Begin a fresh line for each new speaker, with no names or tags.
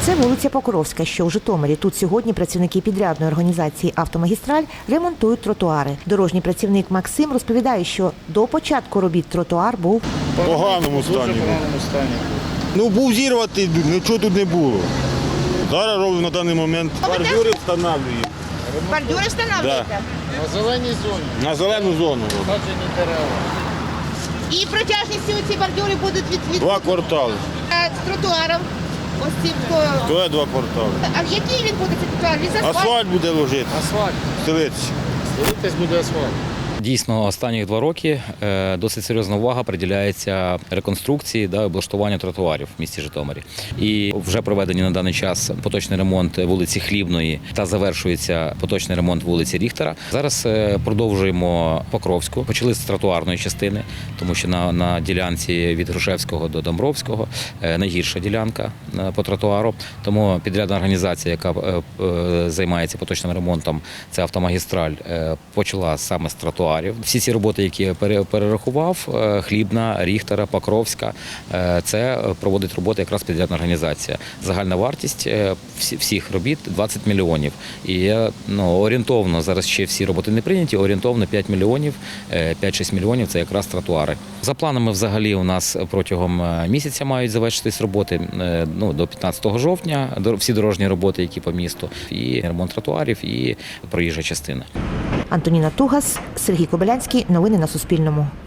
Це вулиця Покровська, що у Житомирі. Тут сьогодні працівники підрядної організації «Автомагістраль» ремонтують тротуари. Дорожній працівник Максим розповідає, що до початку робіт тротуар був
в поганому стані. Ну, був зірвати, нічого тут не було. Зараз робимо на даний момент. Бордюри встановлюємо.
Бордюри встановлюєте?
На зеленій зоні.
На зелену зону.
Саджені дерева.
І протяжністю ці бордюри будуть від
2 квартали.
з тротуаром. Ось цим.
То є 2 квартали.
А який він буде цей тротуар? Він з асфальту?
Асфальт буде ложити.
Асфальт.
Стелитися.
Стелитись буде асфальт.
Дійсно, останні 2 роки досить серйозна увага приділяється реконструкції та облаштуванню тротуарів в місті Житомирі. І вже проведені на даний час поточний ремонт вулиці Хлібної та завершується поточний ремонт вулиці Ріхтера. Зараз продовжуємо Покровську. Почали з тротуарної частини, тому що на ділянці від Грушевського до Домбровського найгірша ділянка по тротуару. Тому підрядна організація, яка займається поточним ремонтом, це «Автомагістраль», почала саме з тротуарів. Всі ці роботи, які я перерахував, Хлібна, Ріхтера, Покровська, це проводить роботи якраз підрядна організація. Загальна вартість всіх робіт 20 мільйонів. І орієнтовно, зараз ще всі роботи не прийняті, орієнтовно 5 мільйонів, 5-6 мільйонів – це якраз тротуари. За планами взагалі у нас протягом місяця мають завершитись роботи до 15 жовтня, всі дорожні роботи, які по місту, і ремонт тротуарів, і проїжджа частина.
Антоніна Тугас, Сергій Кобилянський. Новини на Суспільному.